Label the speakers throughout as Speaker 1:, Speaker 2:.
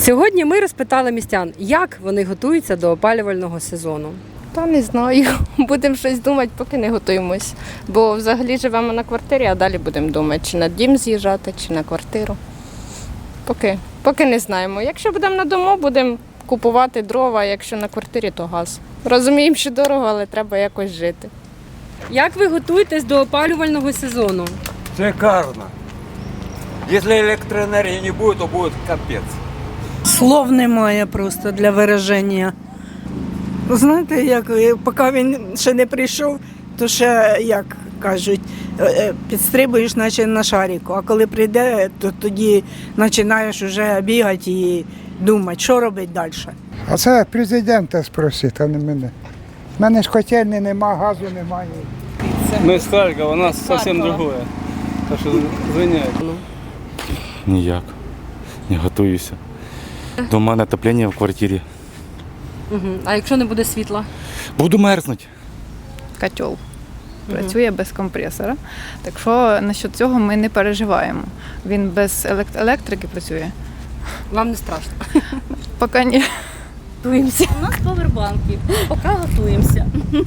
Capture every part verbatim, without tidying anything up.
Speaker 1: Сьогодні ми розпитали містян, як вони готуються до опалювального сезону.
Speaker 2: Та не знаю, будемо щось думати, поки не готуємось. Бо взагалі живемо на квартирі, а далі будемо думати, чи на дім з'їжджати, чи на квартиру. Поки, поки не знаємо. Якщо будемо на дому, будемо купувати дрова, якщо на квартирі, то газ. Розуміємо, що дорого, але треба якось жити.
Speaker 1: Як ви готуєтесь до опалювального сезону?
Speaker 3: Шикарно. Если электроэнергии не будет, то будет капец.
Speaker 4: Слов немає просто для вираження. Знаєте, як поки він ще не прийшов, то ще, як кажуть, підстрибуєш наче на шарику, а коли прийде, то тоді починаєш вже бігати і думати, що робити далі.
Speaker 5: А це президента спросити, а не мене. У мене ж котельні нема, газу немає.
Speaker 6: Мы из Харькова, у нас совсем другое. Так що звиняйте.
Speaker 7: Ніяк. Не готуюся. До мене отоплення в квартирі.
Speaker 1: Угу. А якщо не буде світла?
Speaker 7: Буду мерзнути.
Speaker 8: Котел працює без компресора. Так що насчет цього ми не переживаємо. Він без елект- електрики працює.
Speaker 1: Вам не страшно?
Speaker 8: Поки ні.
Speaker 1: Готуємося.
Speaker 9: У нас повербанки, поки готуємося.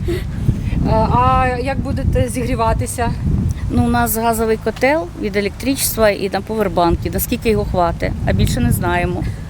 Speaker 1: А як будете зігріватися?
Speaker 9: Ну, у нас газовий котел від електричества і на повербанки, наскільки його хватить, а більше не знаємо.